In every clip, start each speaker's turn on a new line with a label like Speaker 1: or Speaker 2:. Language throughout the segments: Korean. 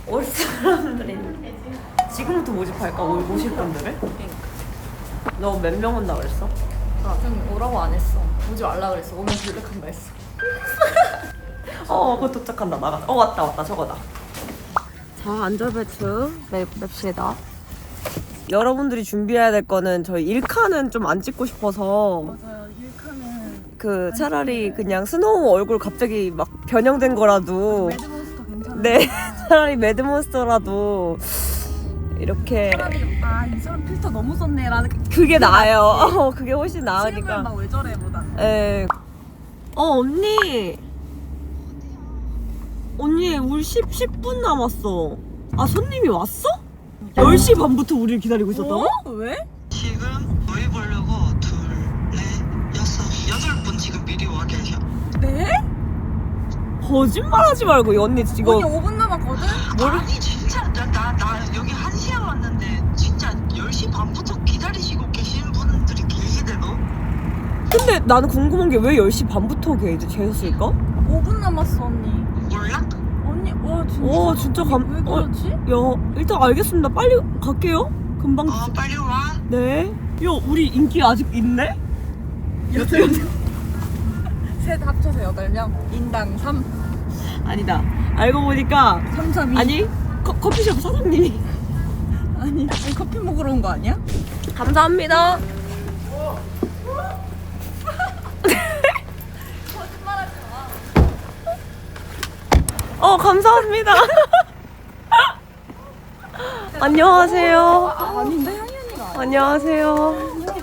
Speaker 1: 올 사람들이 지금부터 모집할까? 오실 분들을? 너 몇 명 온다 그랬어?
Speaker 2: 나 지금 오라고 안 했어. 오지 말라 그랬어. 오면 불백한다 했어.
Speaker 1: 곧 도착한다. 나가. 왔다. 저거다. 자, 안전벨트 맵시다. 여러분들이 준비해야 될 거는 저희 1칸은 좀 안 찍고 싶어서
Speaker 2: 맞아요. 1칸은
Speaker 1: 그 차라리 그냥 스노우 얼굴 갑자기 막 변형된 거라도
Speaker 2: 매드몬스터 괜찮아.
Speaker 1: 네 차라리 매드몬스터라도 이렇게
Speaker 2: 차라리 이 사람 필터 너무 썼네라는
Speaker 1: 그게 나아요. 그게 훨씬
Speaker 2: 실물
Speaker 1: 나으니까.
Speaker 2: 막 왜 저래 보다.
Speaker 1: 예. 언니 우리 10분 남았어. 손님이 왔어? 10시 반부터 우리를 기다리고 있었다고?
Speaker 2: 왜?
Speaker 3: 지금 너희 보려고 둘, 넷, 여섯, 8분 지금 미리 와 계셔.
Speaker 2: 네?
Speaker 1: 거짓말하지 말고 이 언니 지금
Speaker 2: 언니 5분 남았거든?
Speaker 3: 아니 진짜 나 여기 1시에 왔는데 진짜 10시 반부터 기다리시고 계신 분들이 계시대도.
Speaker 1: 근데 나는 궁금한 게 왜 10시 반부터 계셨을까?
Speaker 2: 5분 남았어 언니.
Speaker 3: 몰라?
Speaker 2: 언니 진짜.
Speaker 1: 진짜
Speaker 2: 왜 그러지?
Speaker 1: 야, 일단 알겠습니다. 빨리 갈게요. 금방.
Speaker 3: 빨리 와.
Speaker 1: 네. 야, 우리 인기 아직 있네?
Speaker 2: 8명. 셋 합쳐서 8명. 인당 3.
Speaker 1: 아니다. 알고 보니까
Speaker 2: 3, 3, 2.
Speaker 1: 아니 커피숍 사장님이.
Speaker 2: 아니 커피 먹으러 온 거 아니야?
Speaker 1: 감사합니다.
Speaker 2: 거짓말하지 마.
Speaker 1: 감사합니다. 안녕하세요.
Speaker 2: 아닌데 향이 언니가.
Speaker 1: 안녕하세요.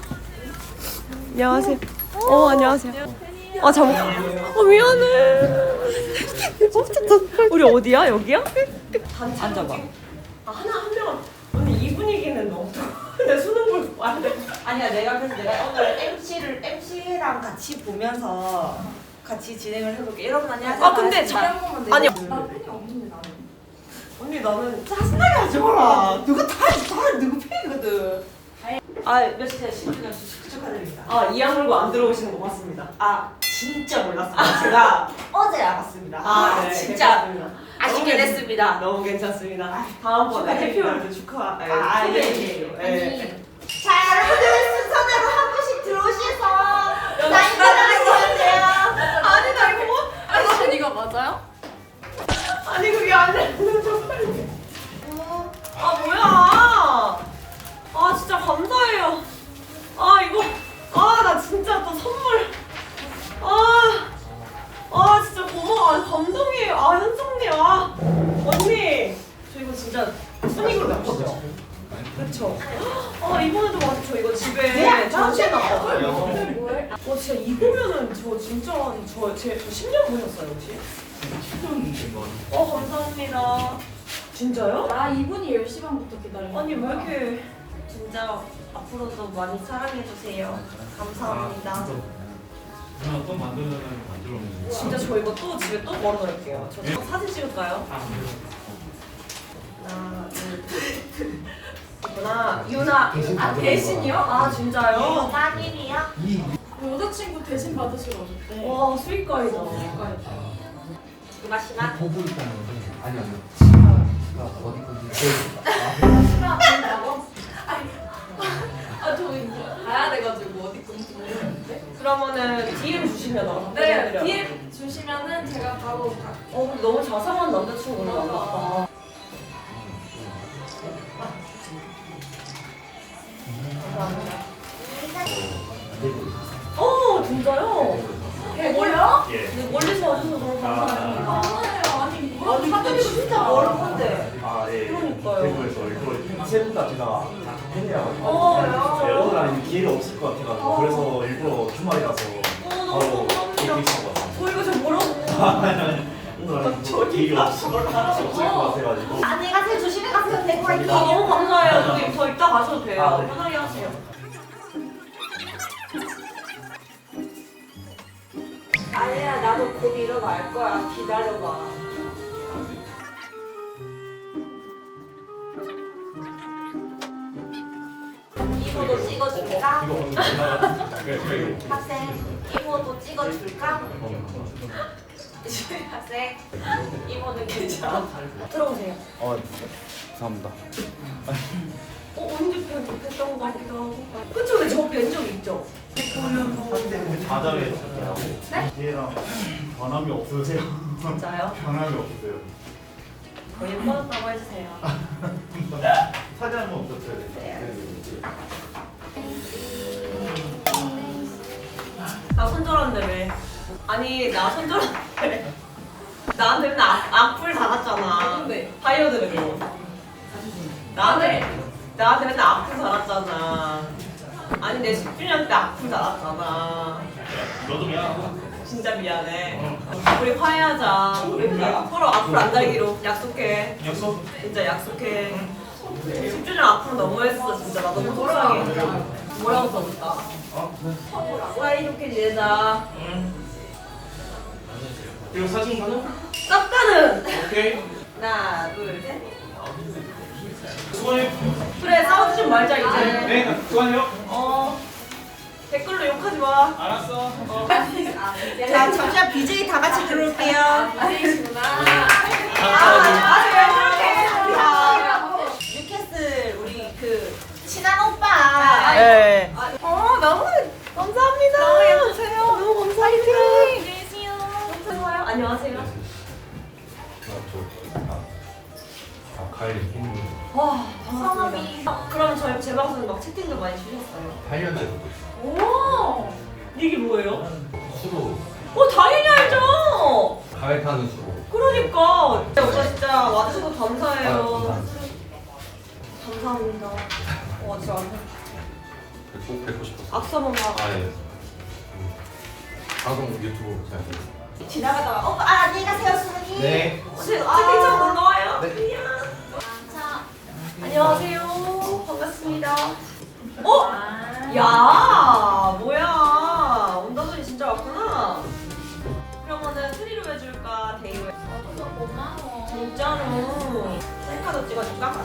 Speaker 1: 안녕하세요. 안녕하세요. 잠깐. 미안해. 우리 어디야? 여기야? 앉아봐. 한 명은. 언니 이 분위기는 너무. 내 수능 볼 와야 돼.
Speaker 4: 아니야 내가 오늘 MC랑 같이 보면서 같이 진행을 해볼게. 여러분 안녕하세요.
Speaker 1: 근데 아니. 언니 나는 짜증나게 하지 마라. 누가 다 누구 팬이거든.
Speaker 4: 몇 시에 10주년 축하드립니다.
Speaker 1: 이 악물고 안 들어오시는 거 봤습니다.
Speaker 4: 진짜 몰랐습니다. 제가 어제 알았습니다.
Speaker 1: 네,
Speaker 4: 진짜
Speaker 1: 괜찮습니다.
Speaker 4: 아쉽게
Speaker 1: 너무
Speaker 4: 됐습니다.
Speaker 1: 너무 괜찮습니다. 다음번에 해피월드 축하.
Speaker 4: 예. 자 여러분들 순서대로 한 분씩 들어오셔서 사인 받아가시면 돼요.
Speaker 1: 아니 나 이거 뭐?
Speaker 2: 아니 이거 맞아요?
Speaker 1: 아니 그게 아니라 뭐야? 진짜 감사해요. 이거 나 진짜 또 선물. 진짜 고마워. 감동이에요. 현성님 언니 저 이거 진짜 순익으로 놨거든요. 그쵸? 이번에도 맞아. 저 이거 집에 전시해 놨거든요. 진짜 이거면은 저 진짜 저 10년 보셨어요 혹시?
Speaker 5: 10년 된 거.
Speaker 1: 감사합니다. 진짜요?
Speaker 2: 이분이 10시 반부터 기다리는
Speaker 1: 아니 왜 이렇게 진짜 앞으로도 많이 사랑해주세요. 감사합니다.
Speaker 5: 누나 또 만들면 만들어.
Speaker 1: 진짜 저 이거 또 집에 또 걸어놓을게요. 저 사진 찍을까요? 하나, 둘, 셋. 이구나. 유나. 대신이요? 진짜요?
Speaker 4: 만일이요?
Speaker 2: 여자친구 대신 받으시러 오셨대.
Speaker 1: 와 수익가이다.
Speaker 4: 이마시마.
Speaker 6: 보고 있다는 건데 아니요. 지가 어디 건지
Speaker 2: 저 이제 가야 돼가지고 어디 건지 모르겠는데.
Speaker 1: 그러면은 DM 주시면
Speaker 2: 네,
Speaker 1: 보내드려요.
Speaker 2: DM 주시면은 제가 바로
Speaker 1: 근데 너무 자상한 남자친구를 만났다. 감사합니다. 진짜요?
Speaker 2: 뭐요?
Speaker 5: 예.
Speaker 1: 네, 멀리서 와주셔서 너무 감사합니다.
Speaker 2: 아니
Speaker 1: 사드리고 진짜 멀었는데.
Speaker 5: 예.
Speaker 1: 그러니까요.
Speaker 5: 대구에서 이거
Speaker 7: 셋 다 제가 팬이라가지고
Speaker 1: 야.
Speaker 7: 오늘 아니면 기회가 없을 것 같아가지고 그래서 일부러 주말이라서
Speaker 1: 너무
Speaker 7: 바로
Speaker 1: 감사합니다.
Speaker 7: 이렇게 있을 것 같아요.
Speaker 1: 저 이거 좀 뭐라고?
Speaker 7: 오늘 아니면 기회가 없을 것 같아가지고
Speaker 4: 안녕히 가세요. 조심히 가세요. 대구 화이팅.
Speaker 1: 너무 감사해요. 저 이따 가셔도 돼요.
Speaker 7: 네.
Speaker 1: 편하게 하세요.
Speaker 4: 아니야 나도 곧 일어날 거야. 기다려봐. 이모도 찍어줄까?
Speaker 5: 이거
Speaker 4: 학생 이모도 찍어줄까?
Speaker 1: 학생 이모는 괜찮아. 들어오세요.
Speaker 7: 감사합니다.
Speaker 1: 언제 뵀던 거 같기도 하고. 그쵸? 근데 저 뵌 적 있죠?
Speaker 7: 자자에 하고 얘랑 변함이 없으세요?
Speaker 1: 진짜요?
Speaker 7: 변함이 없으세요.
Speaker 1: 거의 예뻤다고 해주세요.
Speaker 7: 사진 한번 붙여야
Speaker 1: 나 손절한다며. 아니 나 손절한다며. 나한테 맨날 악플 달았잖아.
Speaker 2: 근데
Speaker 1: 다이어드래고. 나한테 맨날 악플 달았잖아. 아니 내 10주년 때 악플 달았잖아.
Speaker 7: 너도 미안하다.
Speaker 1: 진짜 미안해. 우리 화해하자. 우리 서로 악플 안 달기로 약속해.
Speaker 7: 약속?
Speaker 1: 진짜 약속해. 10주년 악플 너무했어. 진짜 나 너무 속상해.
Speaker 2: 뭐라고 써볼까?
Speaker 1: 사이좋게 지내자.
Speaker 7: 그리고 사진 가능?
Speaker 1: 쌉가는.
Speaker 7: 오케이.
Speaker 1: 하나 둘 셋.
Speaker 7: 수고해.
Speaker 1: 그래 싸우지 좀 말자 이제.
Speaker 7: 네, 수고하세요.
Speaker 1: 댓글로 욕하지 마.
Speaker 7: 알았어.
Speaker 4: 자 잠시만 BJ 다 같이 들어올게요.
Speaker 2: 아니시구나.
Speaker 1: 왜 그렇게?
Speaker 4: 뉴캐슬 우리 그 친한 오빠.
Speaker 1: 네. 너무 감사합니다. 너무 예쁘세요. 너무 감사합니다. 안녕하세요. 안녕하세요.
Speaker 6: 가을이
Speaker 1: 와, 성함이. 그럼 저희 제 방송에 막 채팅도 많이 주셨어요.
Speaker 6: 8년 전부터
Speaker 1: 오, 이게 뭐예요?
Speaker 6: 수로
Speaker 1: 당연히 알죠.
Speaker 6: 가을 타는 수로.
Speaker 1: 그러니까 오빠 진짜 와주셔서
Speaker 6: 아,
Speaker 1: 감사해요.
Speaker 6: 감사합니다.
Speaker 1: 감사합니다. 진짜
Speaker 6: 꼭 뵙고 싶었어.
Speaker 1: 악수 한번 봐.
Speaker 6: 아 예. 방송 유튜브 잘 돼요.
Speaker 4: 지나가다가 오빠 안녕히 가세요 수근이.
Speaker 6: 네.
Speaker 1: 채팅창 놀러와요.
Speaker 6: 네.
Speaker 1: 안녕하세요. 반갑습니다. 야, 뭐야. 온다더니 진짜 왔구나. 그러면은 트리로 해줄까? 데이로 해줄까?
Speaker 2: 고마워.
Speaker 1: 진짜로. 셀카도 찍어줄까?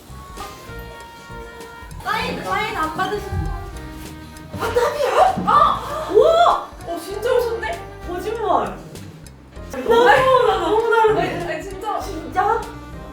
Speaker 2: 사인 안 받으신 분.
Speaker 1: 우와! 진짜 오셨네? 거짓말. 나 너무 다른데.
Speaker 2: 아니 진짜.
Speaker 1: 진짜?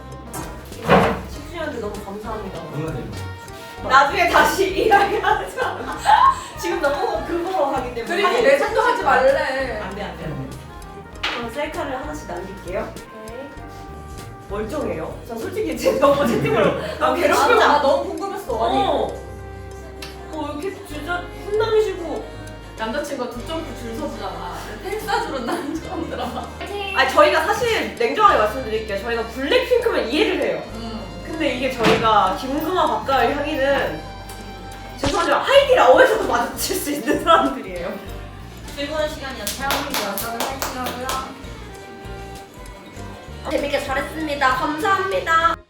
Speaker 1: 10주년한테 너무 감사합니다.
Speaker 6: 누나님.
Speaker 1: 나중에 다시 이야기하자. 지금 너무 그거로 하기 때문에.
Speaker 2: 그리고 레전드 하지 말래.
Speaker 1: 안 돼. 그럼 셀카를 하나씩 남길게요. 멀쩡해요. 저 솔직히 제 너무 채팅을 너무 괴롭히지
Speaker 2: 나
Speaker 1: 않아.
Speaker 2: 너무 궁금했어. 아니
Speaker 1: 이렇게 진짜 훈남이시고.
Speaker 2: 남자친구가 두 점프 줄 서주잖아. 펜사주로 난 처음 들어봐.
Speaker 1: 아니 저희가 사실 냉정하게 말씀드릴게요. 저희가 블랙핑크면 이해를 해요. 근데 이게 저희가 김금화 박가을 향이는 죄송하지만 하이디 라오에서도 마주칠 수 있는 사람들이에요.
Speaker 2: 즐거운 시간이었어요. 여러분 화이팅하고요.
Speaker 1: 재밌게 잘했습니다. 감사합니다.